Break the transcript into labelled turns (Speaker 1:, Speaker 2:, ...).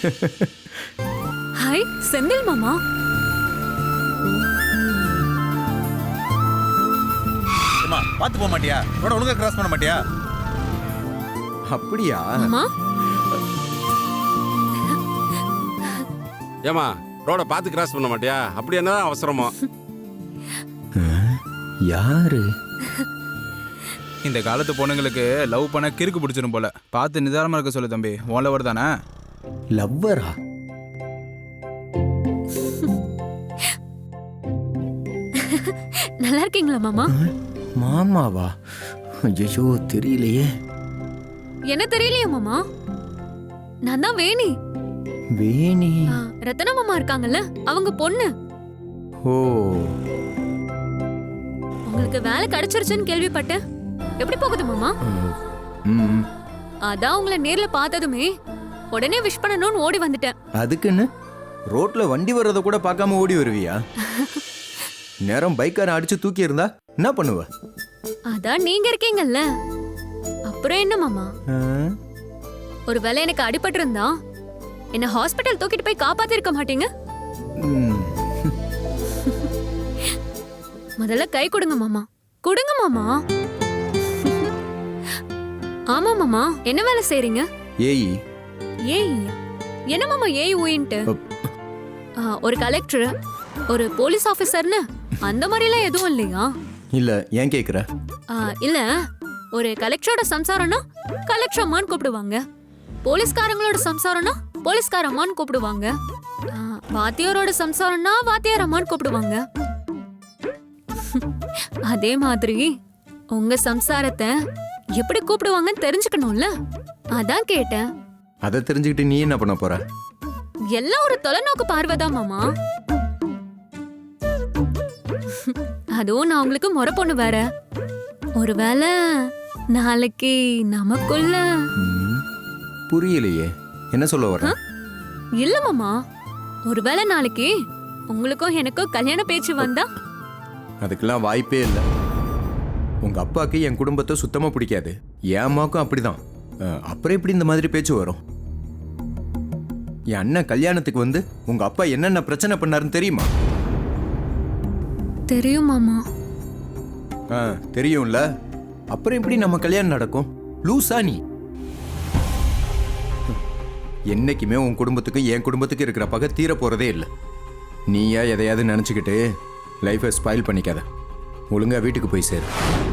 Speaker 1: Hi Senthil மாமா.
Speaker 2: ஏமா பாத்து போக மாட்டியா? ரோட ஒழுங்கா கிராஸ் பண்ண மாட்டியா?
Speaker 3: அப்படியா?
Speaker 1: மாமா
Speaker 4: ஏமா ரோட பார்த்து கிராஸ் பண்ண மாட்டியா? அப்படி என்னதான் அவசரமோ?
Speaker 3: யாரு?
Speaker 2: இந்த காலத்து பொண்ணுங்களுக்கு லவ் பண்ண கிறுக்கு பிடிச்சிரும் போல. பார்த்து நிதானமா இருக்க சொல்லு தம்பி. உன் லவர் தானே?
Speaker 3: லவ்வரா?
Speaker 1: நல்லா இருக்கீங்களா மாமா?
Speaker 3: மாமாவா? ஐயோ தெரியலையே.
Speaker 1: என்ன தெரியலையா மாமா? நான் தான் வேணி.
Speaker 3: வேணி?
Speaker 1: ரத்தன மாமா இருக்காங்கல்ல, அவங்க பொண்ணு.
Speaker 3: ஓ,
Speaker 1: உங்களுக்கு வேலை கிடைச்சிருச்சுன்னு கேள்விப்பட்டேன். எப்படி போகுது மாமா?
Speaker 3: ம்,
Speaker 1: அதான் உங்களை நேர்ல பார்த்ததுமே உடனே விஷ் பண்ணணும்னு ஓடி வந்துட்டேன்.
Speaker 3: அதுக்குன்னு ரோட்ல வண்டி வர்றத கூட பார்க்காம ஓடி வருவியா? நேரம் பைக்காரன் அடிச்சு தூக்கி இருந்தா என்ன பண்ணுவ?
Speaker 1: அதான் நீங்க இருக்கீங்கல்ல, அப்புறம் என்ன மாமா?
Speaker 3: ஆ?
Speaker 1: ஒருவேளை எனக்கு அடிபட்டு இருந்தா என்ன ஹாஸ்பிட்டல் தூக்கிட்டு போய் காப்பாத்தி இருக்க மாட்டீங்க?
Speaker 3: ம்,
Speaker 1: முதல்ல கை கொடுங்க மாமா, கொடுங்க மாமா. ஆமா மாமா, என்ன வேலை செய்றீங்க?
Speaker 3: ஏய்,
Speaker 1: ஏய் என்ன மாமா ஏய் ஊயின்ட்டு? ஒரு கலெக்டர், ஒரு போலீஸ் ஆபீசர்னு அந்த மாதிரிலாம் எதுவும் இல்லையா?
Speaker 3: இல்ல ஏன் கேக்குற?
Speaker 1: இல்ல, ஒரு கலெக்டரோட சம்சாரம்னா கலெக்டர் அம்மான்னு கூப்பிடுவாங்க, போலீஸ்காரங்களோட சம்சாரம்னா போலீஸ்கார அம்மான்னு கூப்பிடுவாங்க, வாத்தியாரோட சம்சாரம்னா வாத்தியார் அம்மான்னு கூப்பிடுவாங்க. அதே மாதிரி உங்க சம்சாரத்தை எப்படி கூப்பிடுவாங்கன்னு தெரிஞ்சுக்கணும்ல, அதான் கேட்டேன்.
Speaker 3: அதை தெரிஞ்சுக்கிட்டு நீ என்ன பண்ண போற?
Speaker 1: எல்லாம் ஒரு தொலைநோக்கு பார்வைதான் மாமா. அதுவும் நான் உங்களுக்கு முறை பொண்ணு வேற. ஒருவேளை நாளைக்கு நமக்குள்ள
Speaker 3: ம், புரியலையே, என்ன சொல்ல வர?
Speaker 1: இல்ல மாமா, ஒருவேளை நாளைக்கு உங்களுக்கும் எனக்கும் கல்யாண பேச்சு வந்தா?
Speaker 3: அதுக்கெல்லாம் வாய்ப்பே இல்லை. உங்க அப்பாவுக்கு என் குடும்பத்தை சுத்தமா பிடிக்காது, என் அம்மாவுக்கும் அப்படிதான். அப்புறம் எப்படி இந்த மாதிரி பேச்சு வரும்? என் அண்ணன் கல்யாணத்துக்கு வந்து உங்க அப்பா என்னென்ன பிரச்சனை பண்ணாருன்னு தெரியுமா?
Speaker 1: தெரியும் மாமா.
Speaker 3: தெரியும்ல, அப்புறம் எப்படி நம்ம கல்யாணம் நடக்கும்? லூசா நீ? என்னைக்குமே உன் குடும்பத்துக்கு என் குடும்பத்துக்கு இருக்கிற பகை தீர போறதே இல்லை. நீயா எதையாவது நினைச்சுக்கிட்டு லைஃபை ஸ்பாயில் பண்ணிக்காத. ஒழுங்கா வீட்டுக்கு போய் சேரு.